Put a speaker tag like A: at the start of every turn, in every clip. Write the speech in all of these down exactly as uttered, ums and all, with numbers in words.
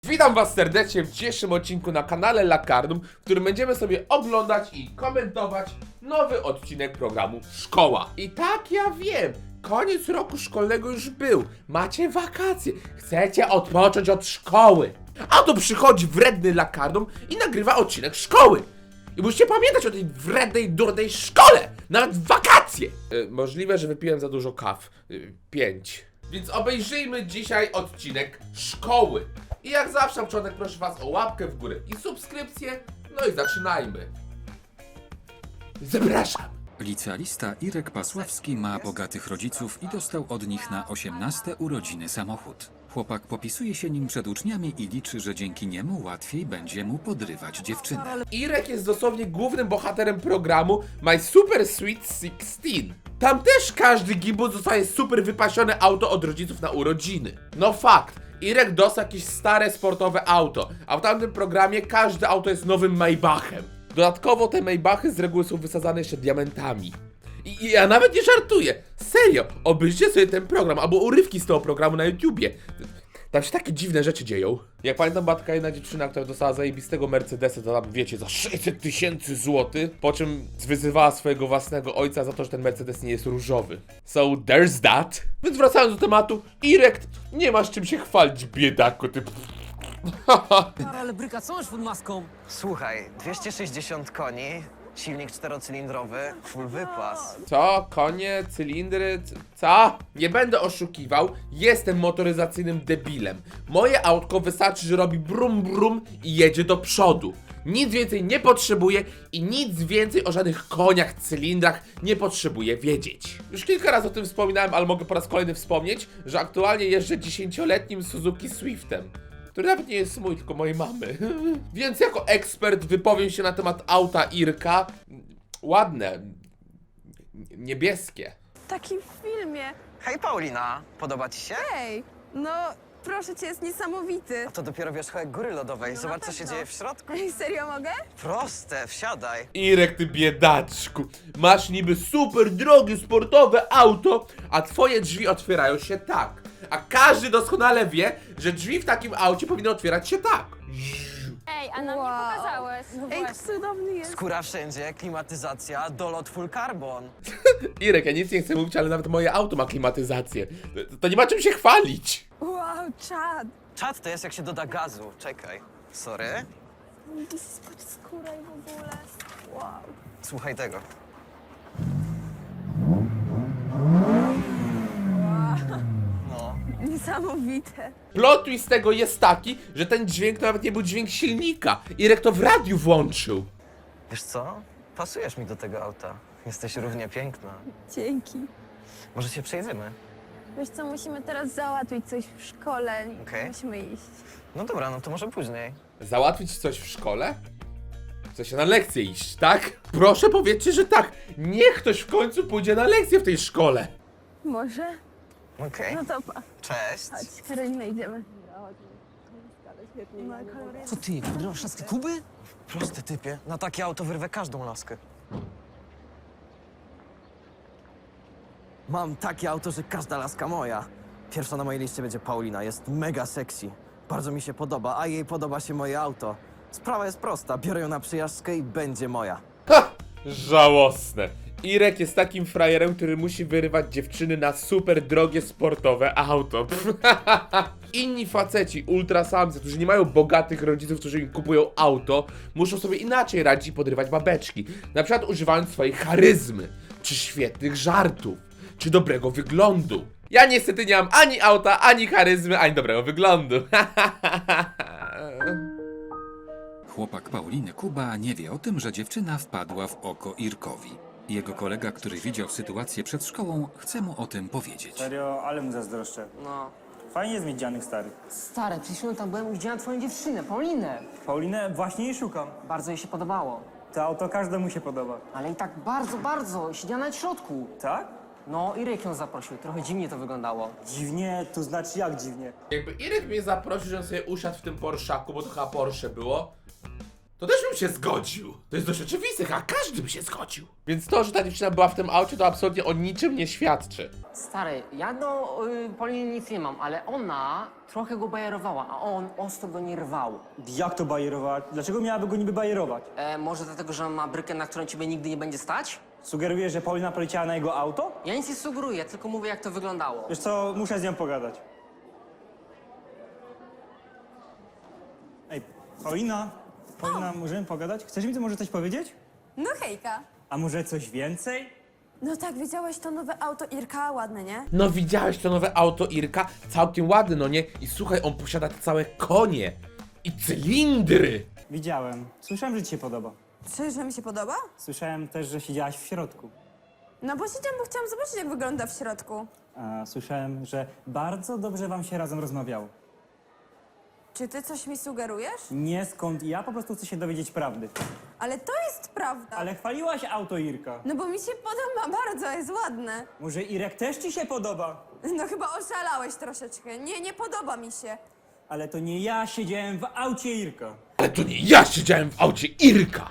A: Witam was serdecznie w dzisiejszym odcinku na kanale Lakardum, w którym będziemy sobie oglądać i komentować nowy odcinek programu Szkoła. I tak, ja wiem, koniec roku szkolnego już był, macie wakacje, chcecie odpocząć od szkoły. A tu przychodzi wredny Lakardum i nagrywa odcinek szkoły. I musicie pamiętać o tej wrednej, durnej szkole, nawet w wakacje. Yy, możliwe, że wypiłem za dużo kaw, yy, pięć. Więc obejrzyjmy dzisiaj odcinek szkoły. I jak zawsze na początek proszę was o łapkę w górę i subskrypcję. No i zaczynajmy. Zapraszam.
B: Licealista Irek Pasławski ma bogatych rodziców i dostał od nich na osiemnaste urodziny samochód. Chłopak popisuje się nim przed uczniami i liczy, że dzięki niemu łatwiej będzie mu podrywać dziewczynę.
A: Irek jest dosłownie głównym bohaterem programu My Super Sweet szesnaście. Tam też każdy gimbal zostaje super wypasione auto od rodziców na urodziny. No fakt, Irek dostał jakieś stare sportowe auto, a w tamtym programie każde auto jest nowym Maybachem. Dodatkowo te Maybachy z reguły są wysadzane jeszcze diamentami. I, I ja nawet nie żartuję, serio, obejrzyjcie sobie ten program, albo urywki z tego programu na YouTubie. Tam się takie dziwne rzeczy dzieją. Jak pamiętam, była taka jedna dziewczyna, która dostała zajebistego Mercedesa, to tam wiecie, za sześćset tysięcy złotych, po czym wyzywała swojego własnego ojca za to, że ten Mercedes nie jest różowy. So there's that. Więc wracając do tematu, Irek, nie masz czym się chwalić, biedaku, ty...
C: Ale bryka, co masz pod maską?
D: Słuchaj, dwieście sześćdziesiąt koni, silnik czterocylindrowy, full wypas.
A: Co? Konie? Cylindry? c- Co? Nie będę oszukiwał, jestem motoryzacyjnym debilem. Moje autko wystarczy, że robi brum brum i jedzie do przodu. Nic więcej nie potrzebuję i nic więcej o żadnych koniach, cylindrach nie potrzebuję wiedzieć. Już kilka razy o tym wspominałem, ale mogę po raz kolejny wspomnieć, że aktualnie jeżdżę dziesięcioletnim Suzuki Swiftem, który nawet nie jest mój, tylko mojej mamy. Więc jako ekspert wypowiem się na temat auta Irka. Ładne. Niebieskie.
E: Taki w filmie.
D: Hej Paulina, podoba ci się?
E: Ej, no proszę cię, jest niesamowity.
D: To dopiero wierzchołek góry lodowej,
E: No
D: zobacz
E: na
D: co się
E: pewno.
D: dzieje w środku.
E: Ej, serio mogę?
D: Proste, wsiadaj.
A: Irek, ty biedaczku. Masz niby super drogie sportowe auto, a twoje drzwi otwierają się tak. A każdy doskonale wie, że drzwi w takim aucie powinny otwierać się tak.
F: Ej, a nam
E: Wow.
F: nie pokazałeś. No
E: Ej,
F: właśnie.
E: cudowny jest.
D: Skóra wszędzie, klimatyzacja, dolot full carbon.
A: Irek, ja nic nie chcę mówić, ale nawet moje auto ma klimatyzację. To, to nie ma czym się chwalić.
E: Wow, czad.
D: Czad to jest jak się doda gazu, czekaj. Sorry.
E: Spójrz, skóra i w ogóle. Wow.
D: Słuchaj tego. No.
E: Niesamowite.
A: Plot twist tego jest taki, że ten dźwięk to nawet nie był dźwięk silnika. Irek to w radiu włączył.
D: Wiesz co? Pasujesz mi do tego auta. Jesteś równie piękna.
E: Dzięki.
D: Może się przejedziemy?
E: Wiesz co, musimy teraz załatwić coś w szkole.
D: Okej.
E: Musimy iść.
D: No dobra, no to może później.
A: Załatwić coś w szkole? Chce się na lekcję iść, tak? Proszę powiedzcie, że tak. Niech ktoś w końcu pójdzie na lekcję w tej szkole.
E: Może?
D: Okej.
E: No to pa.
D: Cześć.
E: Chodź, Karolina, idziemy. No, kolory-
C: Co ty, podrywasz laskę Kuby?
D: Prosty typie. Na takie auto wyrwę każdą laskę.
G: Mam takie auto, że każda laska moja. Pierwsza na mojej liście będzie Paulina, jest mega sexy. Bardzo mi się podoba, a jej podoba się moje auto. Sprawa jest prosta, biorę ją na przyjażdżkę i będzie moja.
A: Ha! Żałosne. Irek jest takim frajerem, który musi wyrywać dziewczyny na super drogie sportowe auto. Inni faceci, ultrasamcy, którzy nie mają bogatych rodziców, którzy im kupują auto, muszą sobie inaczej radzić i podrywać babeczki. Na przykład używając swojej charyzmy, czy świetnych żartów, czy dobrego wyglądu. Ja niestety nie mam ani auta, ani charyzmy, ani dobrego wyglądu.
B: Chłopak Pauliny Kuba nie wie o tym, że dziewczyna wpadła w oko Irkowi. Jego kolega, który widział sytuację przed szkołą, chce mu o tym powiedzieć.
H: Serio, ale mu zazdroszczę.
C: No.
H: Fajnie jest mieć dzianych starych.
C: Stary, przed chwilą tam byłem i widziałem twoją dziewczynę, Paulinę.
H: Paulinę właśnie jej szukam.
C: Bardzo jej się podobało.
H: To auto każdemu się podoba.
C: Ale i tak bardzo, bardzo. Siedziała na środku.
H: Tak?
C: No, Irek ją zaprosił. Trochę dziwnie to wyglądało.
H: Dziwnie, to znaczy jak dziwnie?
A: Jakby Irek mnie zaprosił, żebym sobie usiadł w tym Porszaku, bo to chyba Porsche było, to też bym się zgodził. To jest dość oczywiste, a każdy by się zgodził. Więc to, że ta dziewczyna była w tym aucie, to absolutnie o niczym nie świadczy.
C: Stary, ja do y, Pauliny nic nie mam, ale ona trochę go bajerowała, a on ostro go nie rwał.
H: Jak to bajerować? Dlaczego miałaby go niby bajerować?
C: E, może dlatego, że on ma brykę, na którą ciebie nigdy nie będzie stać?
H: Sugerujesz, że Paulina poleciała na jego auto?
C: Ja nic nie sugeruję, tylko mówię, jak to wyglądało.
H: Wiesz co, muszę z nią pogadać. Ej, Paulina, Paulina, możemy pogadać? Chcesz mi to może coś powiedzieć?
E: No hejka.
H: A może coś więcej?
E: No tak, widziałeś to nowe auto Irka? Ładne, nie?
A: No widziałeś to nowe auto Irka? Całkiem ładne, no nie? I słuchaj, on posiada całe konie i cylindry.
H: Widziałem. Słyszałem, że ci się podoba.
E: Czy, że mi się podoba?
H: Słyszałem też, że siedziałaś w środku.
E: No bo siedziałam, bo chciałam zobaczyć, jak wygląda w środku.
H: A słyszałem, że bardzo dobrze wam się razem rozmawiało.
E: Czy ty coś mi sugerujesz?
H: Nie skąd, ja po prostu chcę się dowiedzieć prawdy.
E: Ale to jest prawda.
H: Ale chwaliłaś auto Irka.
E: No bo mi się podoba bardzo, jest ładne.
H: Może Irek też ci się podoba?
E: No chyba oszalałeś troszeczkę. Nie, nie podoba mi się.
H: Ale to nie ja siedziałem w aucie Irka.
A: Ale to nie ja siedziałem w aucie Irka.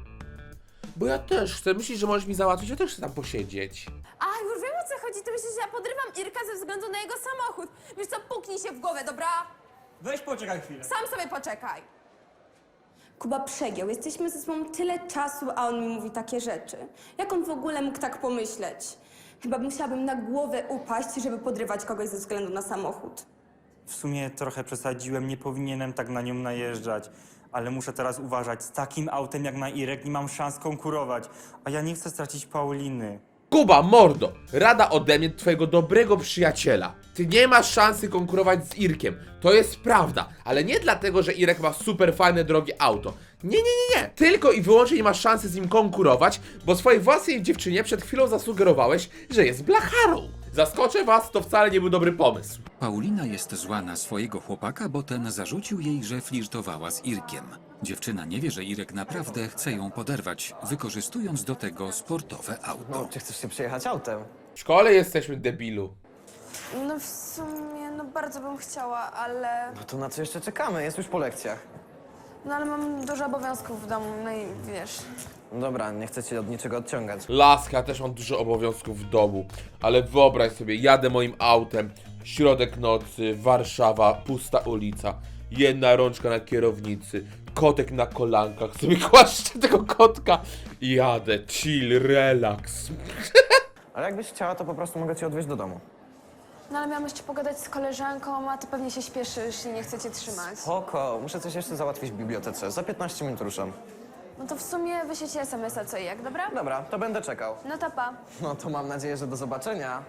A: Bo ja też chcę. Myślisz, że możesz mi załatwić? Ja też chcę tam posiedzieć.
E: A, już wiem, o co chodzi. Ty myślisz, że ja podrywam Irka ze względu na jego samochód. Wiesz co, puknij się w głowę, dobra?
H: Weź poczekaj chwilę.
E: Sam sobie poczekaj. Kuba przegiął. Jesteśmy ze sobą tyle czasu, a on mi mówi takie rzeczy. Jak on w ogóle mógł tak pomyśleć? Chyba musiałabym na głowę upaść, żeby podrywać kogoś ze względu na samochód.
H: W sumie trochę przesadziłem, nie powinienem tak na nią najeżdżać. Ale muszę teraz uważać, z takim autem jak na Irek nie mam szans konkurować. A ja nie chcę stracić Pauliny.
A: Kuba, mordo, rada ode mnie, twojego dobrego przyjaciela. Ty nie masz szansy konkurować z Irkiem. To jest prawda, ale nie dlatego, że Irek ma super fajne, drogie auto. Nie, nie, nie, nie. Tylko i wyłącznie nie masz szansy z nim konkurować, bo swojej własnej dziewczynie przed chwilą zasugerowałeś, że jest blacharą. Zaskoczę was, to wcale nie był dobry pomysł.
B: Paulina jest zła na swojego chłopaka, bo ten zarzucił jej, że flirtowała z Irkiem. Dziewczyna nie wie, że Irek naprawdę chce ją poderwać, wykorzystując do tego sportowe auto.
D: No, czy chcesz się przejechać autem?
A: W szkole jesteśmy, debilu.
E: No w sumie, no bardzo bym chciała, ale...
D: No to na co jeszcze czekamy? Jest już po lekcjach.
E: No ale mam dużo obowiązków w domu, no i wiesz...
D: No dobra, nie chcę cię od niczego odciągać.
A: Laska, ja też mam dużo obowiązków w domu, ale wyobraź sobie, jadę moim autem, środek nocy, Warszawa, pusta ulica, jedna rączka na kierownicy, kotek na kolankach, sobie kłaszczę tego kotka i jadę, chill, relax.
D: Ale jakbyś chciała, to po prostu mogę cię odwieźć do domu.
E: No ale miałam jeszcze pogadać z koleżanką, a ty pewnie się śpieszysz i nie chcę cię trzymać.
D: Spoko, muszę coś jeszcze załatwić w bibliotece. Za piętnaście minut ruszam.
E: No to w sumie wyślijcie es em es a co i jak, dobra?
D: Dobra, to będę czekał.
E: No to pa.
D: No to mam nadzieję, że do zobaczenia.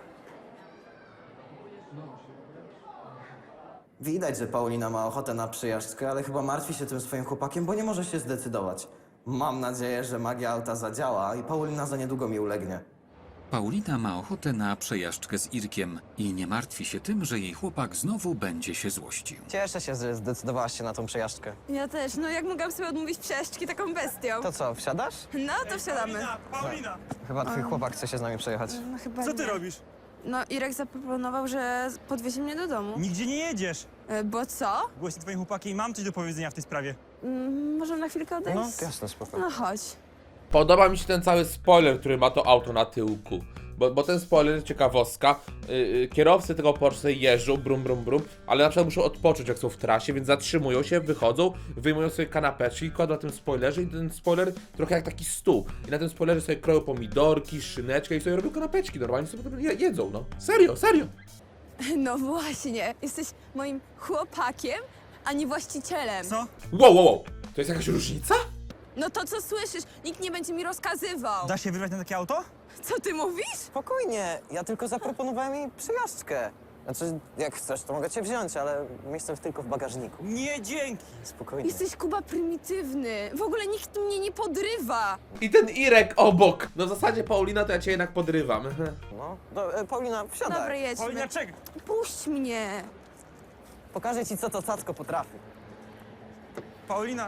G: Widać, że Paulina ma ochotę na przyjażdżkę, ale chyba martwi się tym swoim chłopakiem, bo nie może się zdecydować. Mam nadzieję, że magia auta zadziała i Paulina za niedługo mi ulegnie.
B: Paulina ma ochotę na przejażdżkę z Irkiem i nie martwi się tym, że jej chłopak znowu będzie się złościł.
D: Cieszę się, że zdecydowałaś się na tą przejażdżkę.
E: Ja też, no jak mogłam sobie odmówić przejażdżki taką bestią?
D: To co, wsiadasz?
E: No to wsiadamy.
H: Paulina!
D: Chyba twój chłopak chce się z nami przejechać.
E: No chyba
H: Co ty
E: nie.
H: robisz?
E: No Irek zaproponował, że podwiezie mnie do domu.
H: Nigdzie nie jedziesz.
E: E, Bo co?
H: Głośno twoim chłopakiem, mam coś do powiedzenia w tej sprawie.
E: Mm, możemy na chwilkę odejść?
D: No, jasne, spoko.
E: No chodź.
A: Podoba mi się ten cały spoiler, który ma to auto na tyłku. Bo, bo ten spoiler, ciekawostka, yy, yy, kierowcy tego Porsche jeżdżą, brum, brum, brum, ale na przykład muszą odpocząć, jak są w trasie, więc zatrzymują się, wychodzą, wyjmują sobie kanapeczki, kładą na tym spoilerze i ten spoiler trochę jak taki stół. I na tym spoilerze sobie kroją pomidorki, szyneczkę i sobie robią kanapeczki, normalnie sobie potem je, jedzą, no. Serio, serio.
E: No właśnie, jesteś moim chłopakiem, a nie właścicielem.
H: Co?
A: Wow, wow, wow, to jest jakaś różnica?
E: No to co słyszysz? Nikt nie będzie mi rozkazywał.
H: Da się wybrać na takie auto?
E: Co ty mówisz?
D: Spokojnie, ja tylko zaproponowałem jej przejażdżkę. Znaczy, jak chcesz, to mogę cię wziąć, ale miejsce tylko w bagażniku.
H: Nie, dzięki.
D: Spokojnie.
E: Jesteś Kuba prymitywny. W ogóle nikt mnie nie podrywa.
A: I ten Irek obok. No w zasadzie Paulina to ja cię jednak podrywam.
D: No, do, e, Paulina, wsiadaj.
E: Dobra, jedźmy.
H: Paulina, czekaj.
E: Puść mnie.
D: Pokażę ci, co to cacko potrafi.
H: Paulina.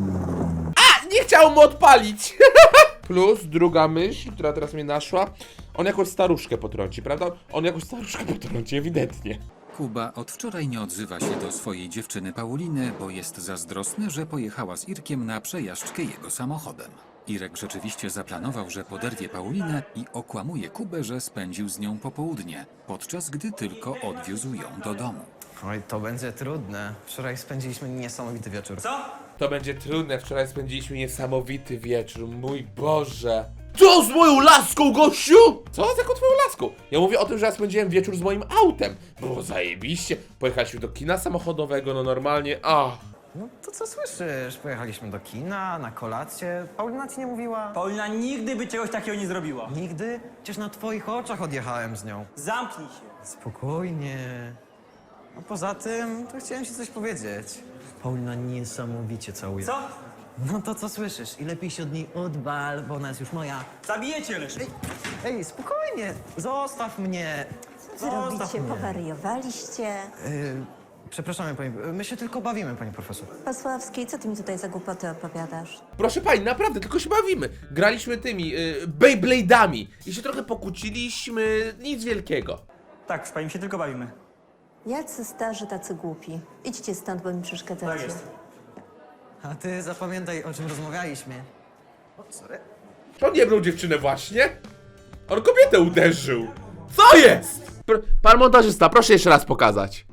A: Nie chciał mu odpalić! Plus druga myśl, która teraz mnie naszła. On jakąś staruszkę potrąci, prawda? On jakąś staruszkę potrąci, ewidentnie.
B: Kuba od wczoraj nie odzywa się do swojej dziewczyny Pauliny, bo jest zazdrosny, że pojechała z Irkiem na przejażdżkę jego samochodem. Irek rzeczywiście zaplanował, że poderwie Paulinę i okłamuje Kubę, że spędził z nią popołudnie, podczas gdy tylko odwiózł ją do domu.
G: Oj, to będzie trudne. Wczoraj spędziliśmy niesamowity wieczór.
H: Co?
A: To będzie trudne, wczoraj spędziliśmy niesamowity wieczór, mój Boże. Co z moją laską, gościu? Co z jaką twoją laską? Ja mówię o tym, że ja spędziłem wieczór z moim autem. Było zajebiście, pojechaliśmy do kina samochodowego, no normalnie, a.
G: No to co słyszysz? Pojechaliśmy do kina, na kolację. Paulina ci nie mówiła?
H: Paulina nigdy by czegoś takiego nie zrobiła.
G: Nigdy? Przecież na twoich oczach odjechałem z nią.
H: Zamknij się.
G: Spokojnie. A poza tym, to chciałem ci coś powiedzieć. Paulina niesamowicie całuje.
H: Co?
G: No to co słyszysz? I lepiej się od niej odwal, bo ona jest już moja.
H: Zabijecie leż.
G: Ej, ej, spokojnie! Zostaw mnie!
I: Co robicie? Powariowaliście?
G: Yy, przepraszamy pani, my się tylko bawimy, pani profesor.
I: Pasławski, co ty mi tutaj za głupoty opowiadasz?
A: Proszę pani, naprawdę, tylko się bawimy. Graliśmy tymi, yy, Beyblade'ami i się trochę pokłóciliśmy, nic wielkiego.
H: Tak, proszę pani, my się tylko bawimy.
I: Jacy starzy, tacy głupi. Idźcie stąd, bo mi przeszkadzacie.
H: Tak jest.
G: A ty zapamiętaj, o czym rozmawialiśmy. O, sorry.
A: Czy on nie brał dziewczynę właśnie? On kobietę uderzył. Co jest? Pr Pan montażysta, proszę jeszcze raz pokazać.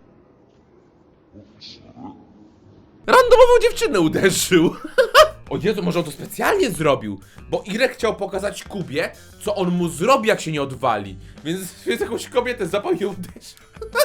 A: Randomową dziewczynę uderzył. O Jezu, może on to specjalnie zrobił, bo Irek chciał pokazać Kubie, co on mu zrobi, jak się nie odwali. Więc, więc jakąś kobietę zapał i uderzył.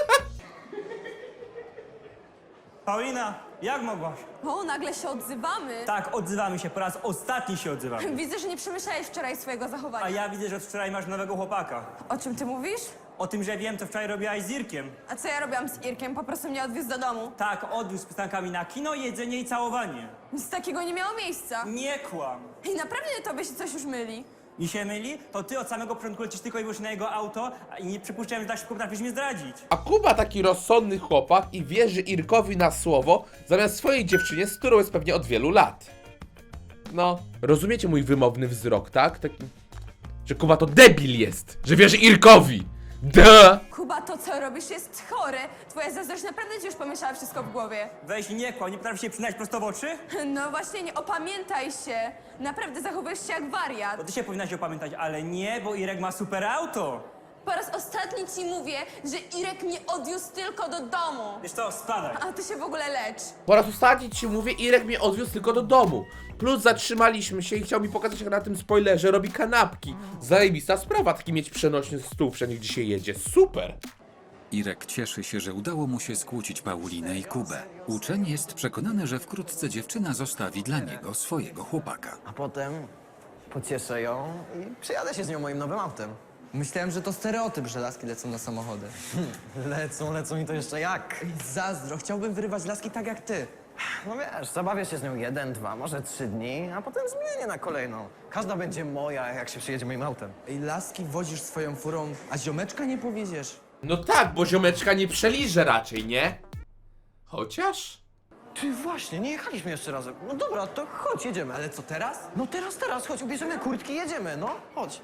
H: Paulina, jak mogłaś?
E: O, nagle się odzywamy.
H: Tak, odzywamy się, po raz ostatni się odzywamy.
E: Widzę, że nie przemyślałeś wczoraj swojego
H: A
E: zachowania.
H: ja widzę, że od wczoraj masz nowego chłopaka.
E: O czym ty mówisz?
H: O tym, że wiem, co wczoraj robiłaś z Irkiem.
E: A co ja robiłam z Irkiem? Po prostu mnie odwiózł do domu.
H: Tak, odwiózł z pytankami na kino, jedzenie i całowanie.
E: Nic takiego nie miało miejsca.
H: Nie kłam.
E: I naprawdę tobie się coś już myli.
H: Mi się myli, to ty od samego początku lecisz tylko i wyłącznie na jego auto a i nie przypuszczałem, że tak szybko potrafisz mnie zdradzić.
A: A Kuba taki rozsądny chłopak i wierzy Irkowi na słowo, zamiast swojej dziewczynie, z którą jest pewnie od wielu lat. No, rozumiecie mój wymowny wzrok, tak? Taki, że Kuba to debil jest, że wierzy Irkowi. Duh!
E: Kuba, to co robisz jest chore. Twoja zazdrość naprawdę ci już pomieszała wszystko w głowie.
H: Weź nie kłam, nie potrafisz się przynać prosto w oczy?
E: No właśnie, nie opamiętaj się. Naprawdę zachowujesz się jak wariat.
H: To ty się powinnaś opamiętać, ale nie, bo Irek ma super auto.
E: Po raz ostatni ci mówię, że Irek mnie odwiózł tylko do domu.
H: Wiesz co, spadaj.
E: A ty się w ogóle lecz.
A: Po raz ostatni ci mówię, Irek mnie odwiózł tylko do domu. Plus zatrzymaliśmy się i chciał mi pokazać, jak na tym spoilerze robi kanapki. Zajebista sprawa, taki mieć przenośny stół wszędzie, gdzie się jedzie. Super!
B: Irek cieszy się, że udało mu się skłócić Paulinę i Kubę. Uczeń jest przekonany, że wkrótce dziewczyna zostawi dla niego swojego chłopaka.
G: A potem pocieszę ją i przyjadę się z nią moim nowym autem.
J: Myślałem, że to stereotyp, że laski lecą na samochody.
G: Lecą, lecą i to jeszcze jak.
J: Zazdro, chciałbym wyrywać laski tak jak ty.
G: No wiesz, zabawię się z nią jeden, dwa, może trzy dni, a potem zmienię na kolejną. Każda będzie moja, jak się przyjedzie moim autem.
J: Ej, laski wozisz swoją furą, a ziomeczka nie powieziesz.
A: No tak, bo ziomeczka nie przeliże raczej, nie? Chociaż...
G: Ty właśnie, nie jechaliśmy jeszcze razem. No dobra, to chodź, jedziemy.
J: Ale co teraz?
G: No teraz, teraz, chodź, ubierzemy kurtki, jedziemy, no, chodź.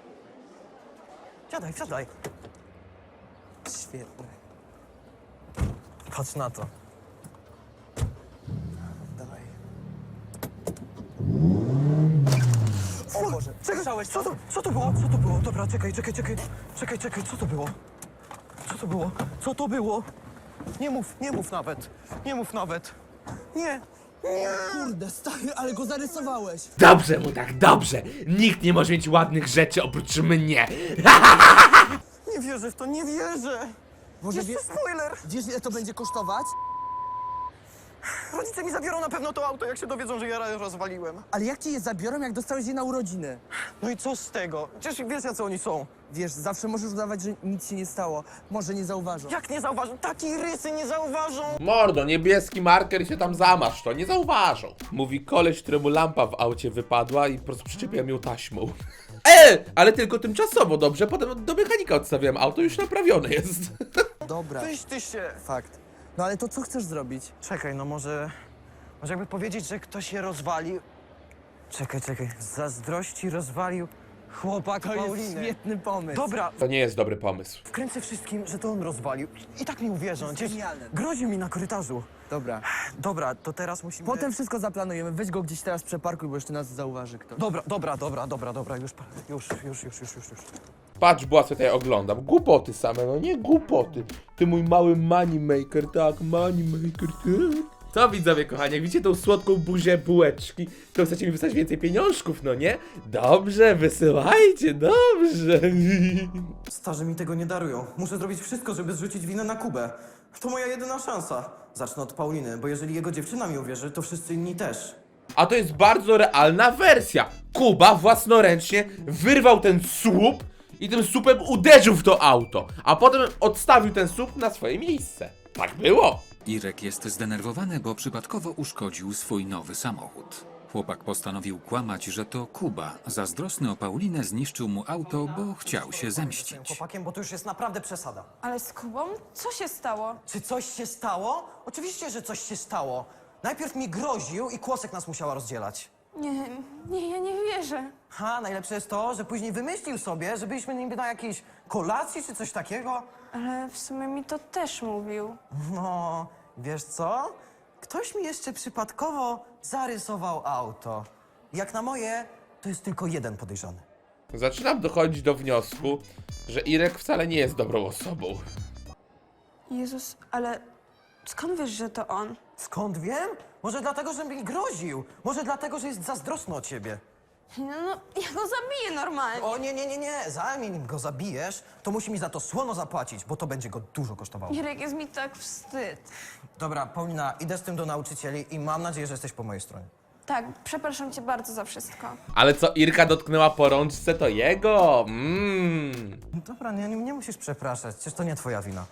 G: Siadaj, siadaj.
J: Świetne.
G: Patrz na to.
J: Dawaj.
G: O Boże, czekaj, co to, co to było? Co to było? Dobra, czekaj, czekaj, czekaj. Czekaj, czekaj, co to było? Co to było? Co to było? Nie mów, nie mów nawet. Nie mów nawet. Nie.
J: Kurde, stary, ale go zarysowałeś.
A: Dobrze mu tak, dobrze! Nikt nie może mieć ładnych rzeczy oprócz mnie!
G: Nie wierzę w to, nie wierzę.
J: Może
G: Jeszcze
J: wie,
G: spoiler.
J: wiesz, ile to będzie kosztować?
G: Rodzice mi zabiorą na pewno to auto, jak się dowiedzą, że ja je rozwaliłem.
J: Ale jak ci je zabiorą, jak dostałeś je na urodziny?
G: No i co z tego? Przecież wiesz, jacy oni są.
J: Wiesz, zawsze możesz udawać, że nic się nie stało. Może nie zauważą.
G: Jak nie zauważą? Takiej rysy nie zauważą.
A: Mordo, niebieski marker i się tam zamasz, to nie zauważą. Mówi koleś, któremu lampa w aucie wypadła i po prostu przyczepiłem ją taśmą. E, ale tylko tymczasowo, dobrze? Potem do mechanika odstawiłem auto, już naprawione jest.
J: Dobra,
G: Weź ty się.
J: fakt. No ale to co chcesz zrobić?
G: Czekaj, no może... Może jakby powiedzieć, że ktoś je rozwalił... Czekaj, czekaj. Z zazdrości rozwalił
J: Chłopak
G: To jest
J: Pauliny.
G: świetny pomysł.
J: Dobra,
A: To nie jest dobry pomysł.
J: wkręcę wszystkim, że to on rozwalił. I tak mi uwierzą. Przecież
G: Genialne.
J: groził mi na korytarzu.
G: Dobra.
J: Dobra, to teraz musimy...
G: Potem wszystko zaplanujemy. Weź go gdzieś teraz przeparkuj, bo jeszcze nas zauważy ktoś.
J: Dobra, dobra, dobra, dobra, dobra, już, już, już, już, już, już, już.
A: Patrz, Błaco, tutaj oglądam. Głupoty same, no nie głupoty. Ty mój mały moneymaker, tak, moneymaker, tak. Co widzowie kochani, jak widzicie tą słodką buzię bułeczki, to chcecie mi wysłać więcej pieniążków, no nie? Dobrze, wysyłajcie, dobrze.
J: Starzy mi tego nie darują. Muszę zrobić wszystko, żeby zrzucić winę na Kubę. To moja jedyna szansa. Zacznę od Pauliny, bo jeżeli jego dziewczyna mi uwierzy, to wszyscy inni też.
A: A to jest bardzo realna wersja. Kuba własnoręcznie wyrwał ten słup i tym słupem uderzył w to auto, a potem odstawił ten słup na swoje miejsce. Tak było.
B: Irek jest zdenerwowany, bo przypadkowo uszkodził swój nowy samochód. Chłopak postanowił kłamać, że to Kuba, zazdrosny o Paulinę, zniszczył mu auto, bo chciał się zemścić.
J: Chłopakiem, bo to już jest naprawdę przesada.
E: Ale z Kubą? Co się stało?
J: Czy coś się stało? Oczywiście, że coś się stało. Najpierw mi groził i Kłosek nas musiała rozdzielać.
E: Nie, nie, ja nie wierzę.
J: Ha, najlepsze jest to, że później wymyślił sobie, że byliśmy niby na jakiejś kolacji czy coś takiego.
E: Ale w sumie mi to też mówił.
J: No, wiesz co? Ktoś mi jeszcze przypadkowo zarysował auto. Jak na moje, to jest tylko jeden podejrzany.
A: Zaczynam dochodzić do wniosku, że Irek wcale nie jest dobrą osobą.
E: Jezus, ale skąd wiesz, że to on?
J: Skąd wiem? Może dlatego, że mi groził. Może dlatego, że jest zazdrosny o ciebie.
E: No, no, ja go zabiję normalnie.
J: O nie, nie, nie, nie. Zanim go zabijesz, to musi mi za to słono zapłacić, bo to będzie go dużo kosztowało.
E: Irek, jest mi tak wstyd.
J: Dobra, Paulina, idę z tym do nauczycieli i mam nadzieję, że jesteś po mojej stronie.
E: Tak, przepraszam cię bardzo za wszystko.
A: Ale co Irka dotknęła po rączce, to jego. Mmm.
J: Dobra, nie, nie, nie musisz przepraszać, przecież to nie twoja wina.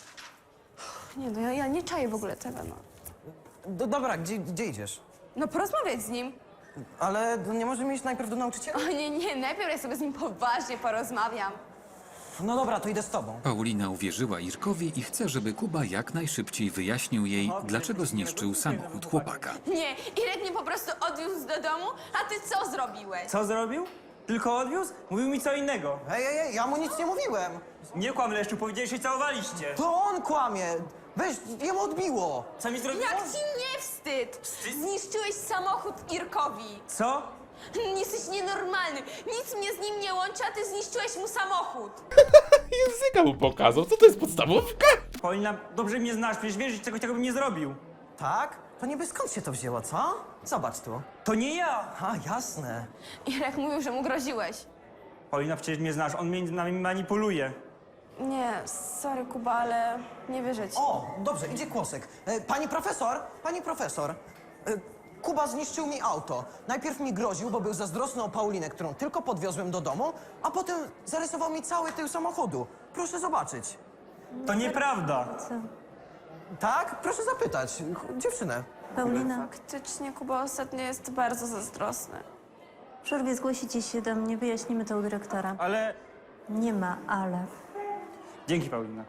E: Nie no, ja, ja nie czaję w ogóle tego, no.
J: Do, dobra, gdzie, gdzie idziesz?
E: No porozmawiać z nim.
J: Ale nie możemy iść najpierw do nauczyciela?
E: O nie, nie, najpierw ja sobie z nim poważnie porozmawiam.
J: No dobra, to idę z tobą.
B: Paulina uwierzyła Irkowi i chce, żeby Kuba jak najszybciej wyjaśnił jej, dlaczego zniszczył samochód chłopaka.
E: Nie, Irek mnie po prostu odwiózł do domu, a ty co zrobiłeś?
H: Co zrobił? Tylko odwiózł? Mówił mi co innego.
J: Ej, ej, ej, ja mu nic nie mówiłem.
H: Nie kłam, Leszczu, powiedziałeś, że się całowaliście.
J: To on kłamie. Weź, jemu odbiło.
H: Co mi zrobiło?
E: Jak ci nie wstyd? Zniszczyłeś samochód Irkowi.
H: Co?
E: Jesteś nienormalny. Nic mnie z nim nie łączy, a ty zniszczyłeś mu samochód.
A: Języka mu pokazał, co to jest podstawówka?
H: Paulina, dobrze mnie znasz, przecież wiesz, że czegoś takiego bym nie zrobił.
J: Tak? To niby skąd się to wzięło, co? Zobacz tu.
H: To nie ja!
J: A, jasne.
E: Irek mówił, że mu groziłeś.
H: Paulina, przecież mnie znasz, on między nami manipuluje.
E: Nie, sorry Kuba, ale nie wierzę ci.
J: O, dobrze, idzie Kłosek. E, pani profesor, pani profesor. E, Kuba zniszczył mi auto. Najpierw mi groził, bo był zazdrosny o Paulinę, którą tylko podwiozłem do domu, a potem zarysował mi cały tył samochodu. Proszę zobaczyć.
H: To nieprawda.
I: Co?
J: Tak? Proszę zapytać. Ch- Dziewczynę.
I: Paulina,
E: Faktycznie Kuba ostatnio jest bardzo zazdrosny.
I: w przerwie zgłosicie się do mnie, wyjaśnimy to u dyrektora.
H: Ale...
I: Nie ma ale.
H: Dzięki, Paulina.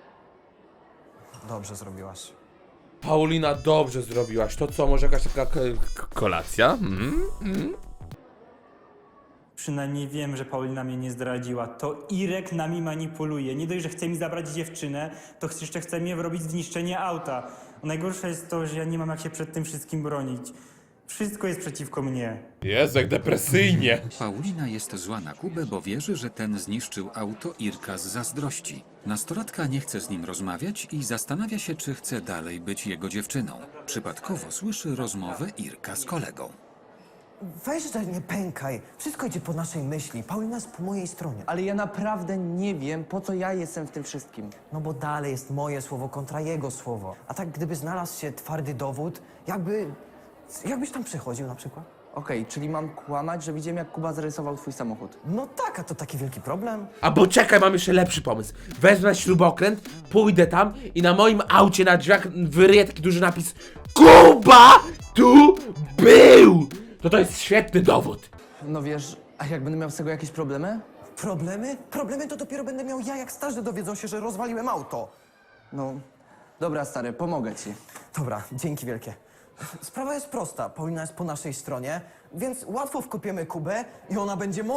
J: Dobrze zrobiłaś.
A: Paulina, dobrze zrobiłaś. To co, może jakaś taka k- k- kolacja? Mm? Mm?
H: Przynajmniej wiem, że Paulina mnie nie zdradziła. To Irek nami manipuluje. Nie dość, że chce mi zabrać dziewczynę, to jeszcze chce mnie wrobić w zniszczenie auta. A najgorsze jest to, że ja nie mam jak się przed tym wszystkim bronić. Wszystko jest przeciwko mnie.
A: Jezu, jak depresyjnie.
B: Paulina jest zła na Kubę, bo wierzy, że ten zniszczył auto Irka z zazdrości. Nastolatka nie chce z nim rozmawiać i zastanawia się, czy chce dalej być jego dziewczyną. Przypadkowo słyszy rozmowę Irka z kolegą.
J: Weź, że nie pękaj. Wszystko idzie po naszej myśli. Paulina jest po mojej stronie.
G: Ale ja naprawdę nie wiem, po co ja jestem w tym wszystkim.
J: No bo dalej jest moje słowo kontra jego słowo. A tak gdyby znalazł się twardy dowód, jakby... Jakbyś tam przychodził na przykład?
G: Okej, czyli mam kłamać, że widziałem, jak Kuba zarysował twój samochód.
J: No tak, a to taki wielki problem.
A: A bo czekaj, mam jeszcze lepszy pomysł. Wezmę śrubokręt, pójdę tam i na moim aucie na drzwiach wyryję taki duży napis Kuba tu był! To to jest świetny dowód.
G: No wiesz, a jak będę miał z tego jakieś problemy?
J: Problemy? Problemy to dopiero będę miał ja, jak starzy dowiedzą się, że rozwaliłem auto.
G: No, dobra stary, pomogę ci.
J: Dobra, dzięki wielkie. Sprawa jest prosta. Paulina jest po naszej stronie, więc łatwo wkopiemy Kubę i ona będzie moja.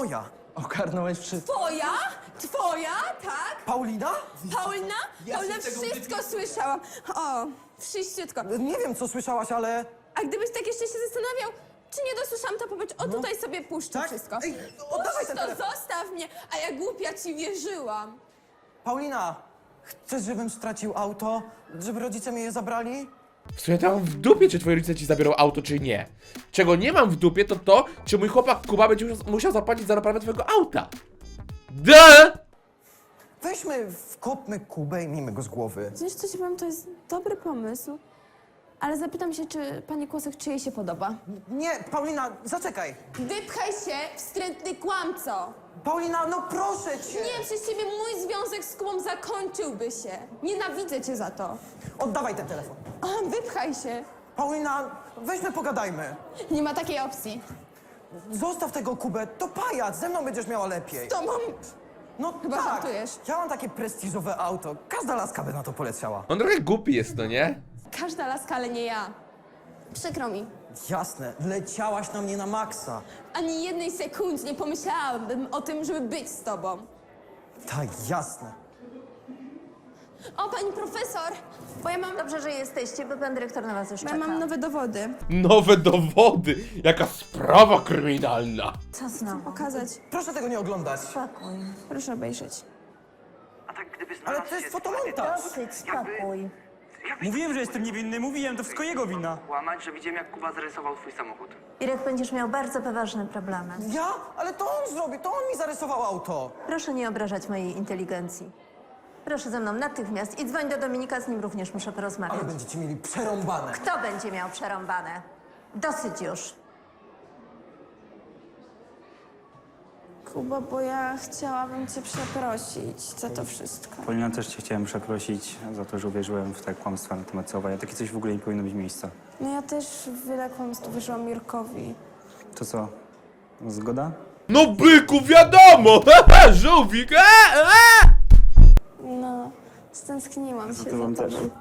J: Ogarnąłeś wszystko.
E: Twoja? Twoja? Tak?
J: Paulina?
E: Paulina?
J: Ja
E: Paulina,
J: się tego
E: wszystko słyszałam. O, wszyściutko.
J: Nie wiem, co słyszałaś, ale...
E: A gdybyś tak jeszcze się zastanawiał, czy nie dosłyszałam, to powiedz, o tutaj sobie puszczę
J: Tak?
E: wszystko.
J: Ej, oddawaj
E: Puść
J: ten
E: to,
J: telefon.
E: zostaw mnie, a ja głupia ci wierzyłam.
J: Paulina, chcesz, żebym stracił auto? Żeby rodzice mi je zabrali?
A: W sumie to ja mam w dupie, czy twoi rodzice ci zabiorą auto, czy nie. Czego nie mam w dupie, to to, czy mój chłopak Kuba będzie musiał- musiał zapłacić za naprawę twojego auta. D!
J: Weźmy, wkopmy Kubę i miejmy go z głowy.
E: Wiesz, co ci powiem, to jest dobry pomysł. Ale zapytam się, czy pani Kłosek, czy jej się podoba.
J: Nie, Paulina, zaczekaj.
E: Wypchaj się, wstrętny kłamco!
J: Paulina, no proszę cię.
E: Nie, przez ciebie mój związek z Kubą zakończyłby się. Nienawidzę cię za to.
J: Oddawaj ten telefon.
E: A, wypchaj się.
J: Paulina, weźmy pogadajmy.
E: Nie ma takiej opcji.
J: Zostaw tego Kubę, to pajac, ze mną będziesz miała lepiej.
E: To mam...
J: No
E: Chyba
J: tak,
E: żartujesz.
J: ja mam takie prestiżowe auto, każda laska by na to poleciała.
A: On trochę głupi jest, no nie?
E: Każda laska, ale nie ja. Przykro mi.
J: Jasne, leciałaś na mnie na maksa.
E: Ani jednej sekundy nie pomyślałabym o tym, żeby być z tobą.
J: Tak, jasne.
E: O, pani profesor, bo ja mam,
I: Dobrze, że jesteście, bo pan dyrektor na was już
E: bo ja
I: czeka.
E: mam nowe dowody.
A: Nowe dowody! Jaka sprawa kryminalna!
I: Co znowu?
E: Pokazać.
J: Proszę tego nie oglądać.
I: Spokój.
E: Proszę obejrzeć.
G: A tak gdyby
J: Ale
G: znalazł
J: to jest
G: się
J: fotomontaż.
I: Dosyć, spokój.
G: Jakbyś
H: Mówiłem, że jestem niewinny, mówiłem, to wszystko jego wina.
G: kłamać, że widziałem, jak Kuba zarysował twój samochód.
I: Irek, będziesz miał bardzo poważne problemy.
J: Ja? Ale to on zrobił, to on mi zarysował auto.
I: Proszę nie obrażać mojej inteligencji. Proszę ze mną natychmiast i dzwoń do Dominika, z nim również muszę porozmawiać.
J: Ale będziecie mieli przerąbane.
I: Kto będzie miał przerąbane? Dosyć już.
E: Kuba, bo ja chciałabym cię przeprosić za to wszystko.
H: Paulina, też cię chciałem przeprosić za to, że uwierzyłem w te kłamstwa na temat Sowa. Takie coś w ogóle nie powinno mieć miejsca.
E: No ja też w wiele kłamstw wierzyłam Mirkowi.
H: To co? Zgoda?
A: No byku, wiadomo! Haha, żółwik! E, e!
E: No, stęskniłam się
H: To wam
E: za
H: też.
E: tobą.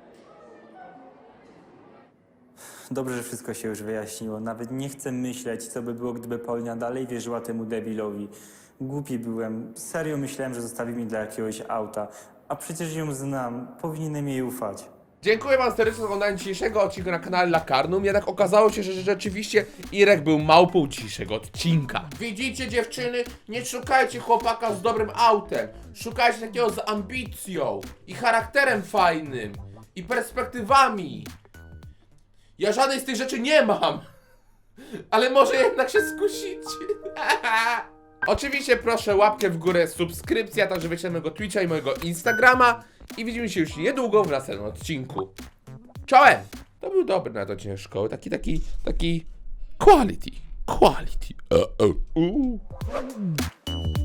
H: Dobrze, że wszystko się już wyjaśniło. Nawet nie chcę myśleć, co by było, gdyby Paulina dalej wierzyła temu debilowi. Głupi byłem. Serio myślałem, że zostawi mi dla jakiegoś auta. A przecież ją znam. Powinienem jej ufać.
A: Dziękuję wam serdecznie za oglądanie dzisiejszego odcinka na kanale Lakarnum. Jednak okazało się, że rzeczywiście Irek był małpą dzisiejszego odcinka. Widzicie, dziewczyny? Nie szukajcie chłopaka z dobrym autem. Szukajcie takiego z ambicją i charakterem fajnym i perspektywami. Ja żadnej z tych rzeczy nie mam. Ale może jednak się skusicie. Oczywiście proszę łapkę w górę, subskrypcja, także wejdźcie na mojego Twitcha i mojego Instagrama. I widzimy się już niedługo w następnym odcinku. Czołem! To był dobry na odcinek szkoły, taki, taki, taki quality, quality. Uh, uh, uh.